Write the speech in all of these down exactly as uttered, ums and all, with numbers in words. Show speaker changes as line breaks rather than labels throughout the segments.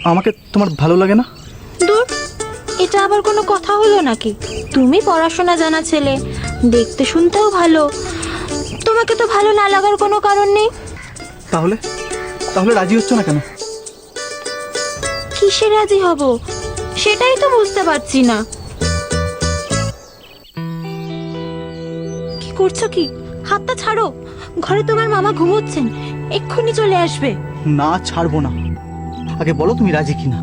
আমাকে তোমার ভালো লাগে না?
দূর, এটা আবার কোনো কথা হলো নাকি? তুমি পড়াশোনা জানা ছেলে, দেখতে শুনতেও ভালো, তোমাকে তো ভালো না লাগার কোনো কারণ নেই।
তাহলে তাহলে রাজি হচ্ছ না কেন?
কিসে রাজি হব সেটাই তো বুঝতে পারছি না। কি করছো কি? হাতটা ছাড়ো, ঘরে তোমার মামা ঘুমোচ্ছেন, এক্ষুনি চলে আসবে।
না, ছাড়বো না। আগে বলো তুমি রাজি কিনা।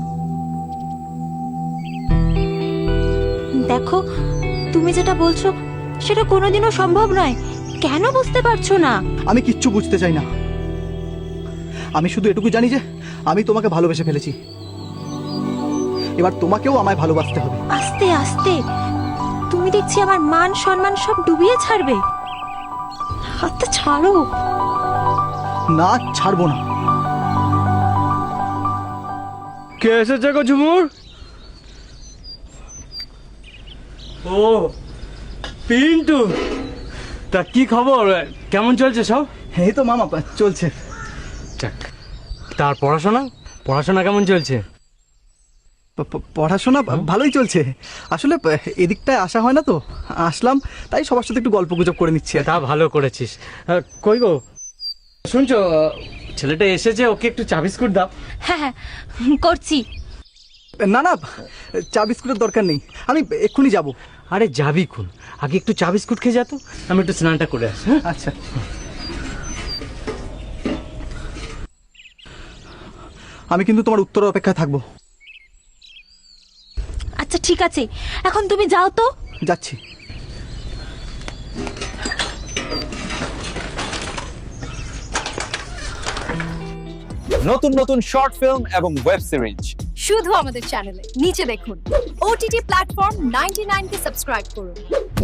দেখো, তুমি যেটা বলছো সেটা কোনোদিনও সম্ভব নয়। কেন বুঝতে পারছো না?
আমি কিচ্ছু বুঝতে চাই না। আমি শুধু এটুকু জানি যে আমি তোমাকে ভালোবেসে ফেলেছি। এবার তোমাকেও আমায় ভালোবাসতে হবে।
আস্তে আস্তে, তুমি দেখছি আমার মান সম্মান সব ডুবিয়ে ছাড়বে। হাতটা ছাড়ো।
না, ছাড়বো না।
কে এসেছে গো ঝুমুর? ও পিন্টু, তা কি খবর? কেমন চলছে সব?
এই তো মামা, চলছে।
যাক, তার পড়াশোনা পড়াশোনা কেমন চলছে?
প- প- পড়াশোনা ভালোই চলছে। আসলে এদিকটায় আসা হয় না তো, আসলাম তাই সবার সাথে একটু গল্প গুজব করে নিচ্ছি।
তা ভালো করেছিস। আহ, কই গো, শুনছো ছেলেটা এসেছে, ওকে একটু চা বিস্কুট দাও।
হ্যাঁ হ্যাঁ, করছি।
না না, চা বিস্কুটের দরকার নেই, আমি এক্ষুনি যাব।
আরে যাবি কোন, আগে একটু চা বিস্কুট খেয়ে যা তো, আমি একটু স্নানটা করে আসি। হ্যাঁ?
আচ্ছা। আমি কিন্তু তোমার উত্তরের অপেক্ষায় থাকবো।
আচ্ছা ঠিক আছে, এখন তুমি যাও তো।
যাচ্ছি।
নতুন নতুন শর্ট ফিল্ম এবং ওয়েব সিরিজ
শুধু আমাদের চ্যানেলে নিচে দেখুন। ওটিটি প্ল্যাটফর্ম নাইনটি নাইন কে সাবস্ক্রাইব করুন।